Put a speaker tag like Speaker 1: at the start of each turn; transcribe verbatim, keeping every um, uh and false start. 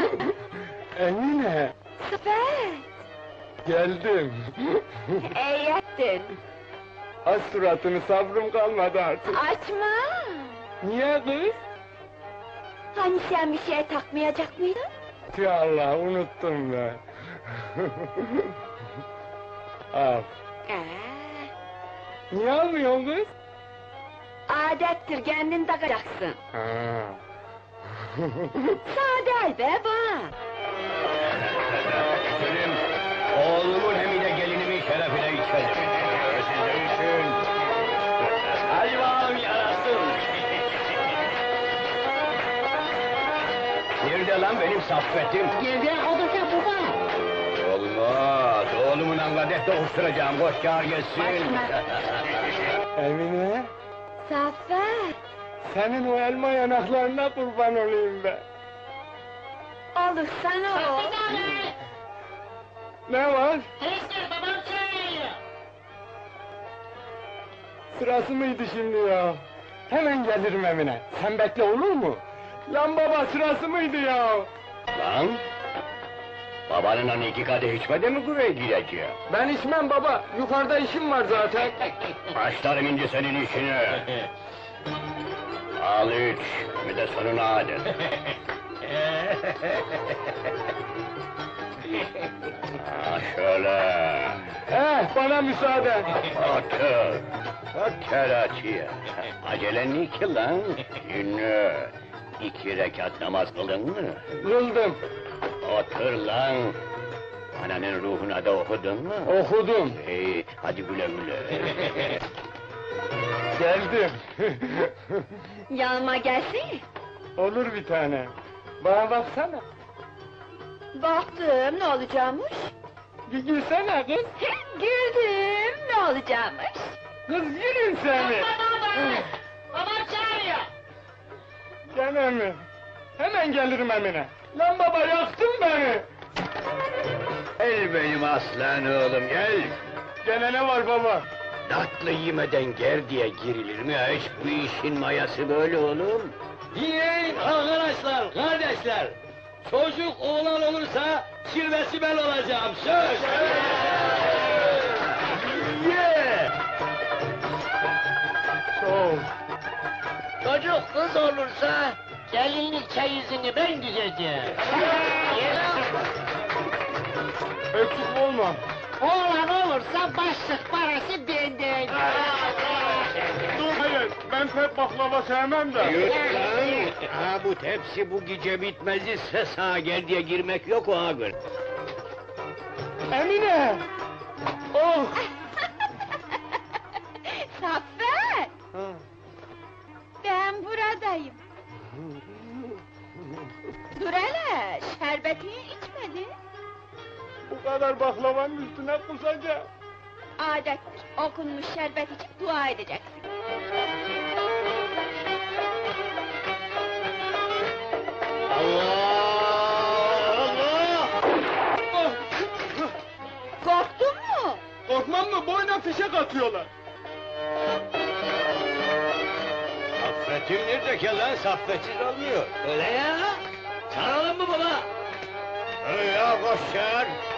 Speaker 1: Emine,
Speaker 2: Sıfet!
Speaker 1: geldim.
Speaker 2: İyi ettin!
Speaker 1: Az suratını, sabrım kalmadı artık.
Speaker 2: Açma!
Speaker 1: Niye kız?
Speaker 2: Hani sen bir şey takmayacak mıydın?
Speaker 1: Tüh Allah, unuttum ben. Al.
Speaker 2: Ee,
Speaker 1: Niye almıyorsun kız?
Speaker 2: adettir, kendin takacaksın.
Speaker 1: Ha.
Speaker 2: Sade be bak!
Speaker 3: Selim, oğlumun hem de gelinimin şerefine içelim. Siz de için. Hadi bakalım yarasın. Nerede lan benim saffetim?
Speaker 4: Geride odursa baba.
Speaker 3: Olmaz, oğlumun angadet dokuşturacağım, koş çağır gelsin.
Speaker 1: Emine,
Speaker 2: Saffet!
Speaker 1: senin o elma yanaklarına kurban olayım ben.
Speaker 2: Olur sana o!
Speaker 1: Ne var?
Speaker 4: Teyze babam çağırıyor.
Speaker 1: Sırası mıydı şimdi ya? Hemen gelirim Emine. Sen bekle, olur mu? Lan baba, sırası mıydı ya?
Speaker 3: Lan! Babanın hani iki kadeh içmedi mi buraya gireceğim?
Speaker 1: Ben içmem baba, yukarıda işim var zaten.
Speaker 3: Başlarım ince senin işine. Al üç, bir de sonuna adet. Ha şöyle.
Speaker 1: Eh, bana müsaade.
Speaker 3: Otur. Otur açıya. Acelen ne ki lan? Ünlü. İki rekat namaz kılın mı?
Speaker 1: Kıldım,
Speaker 3: Otur lan. Ananın ruhuna da okudun mu?
Speaker 1: okudum,
Speaker 3: İyi, hadi güle güle.
Speaker 1: geldim.
Speaker 2: Yanıma gelsin!
Speaker 1: Olur bir tane. Bana baksana.
Speaker 2: Baktım, ne olacakmış?
Speaker 1: Bir gülsene kız.
Speaker 2: Güldüm, ne olacakmış?
Speaker 1: Kız yürüyün seni.
Speaker 4: Babam çağırıyor.
Speaker 1: Gene mi? Hemen gelirim Emine. Lan baba, yaktın beni.
Speaker 3: Gel benim aslan oğlum gel.
Speaker 1: Gene ne var baba?
Speaker 3: Tatlı yemeden ger diye girilir mi hiç bu işin mayası böyle oğlum?
Speaker 5: Dinleyin arkadaşlar, kardeşler! Çocuk oğlan olursa kirvesi ben olacağım, söz!
Speaker 1: Ye! Çok.
Speaker 4: Çocuk kız olursa gelinlik çeyizini ben düzeceğim.
Speaker 1: Eksik olma.
Speaker 4: Oğlan olursa başlık parası benden.
Speaker 1: Dur, hayır, ben pek baklava sevmem de.
Speaker 3: Yürü lan! Ha bu tepsi bu gece bitmez ise sağa gel diye girmek yok o ağır.
Speaker 1: Emine! Oh!
Speaker 2: Saffet! Ben buradayım. Dur hele, şerbetini içmedin.
Speaker 1: Bu kadar baklavanın üstüne kusacağım.
Speaker 2: Adettir, okunmuş şerbet içip dua edeceksin.
Speaker 3: Allah! Allah!
Speaker 2: Korktun mu?
Speaker 1: Korkmam mı? Boyuna fişek atıyorlar.
Speaker 3: Saffetim nerede ki lan? Saffetsiz olmuyor.
Speaker 5: Öyle ya! Çağıralım mı baba?
Speaker 3: Öyle ya koş çağır.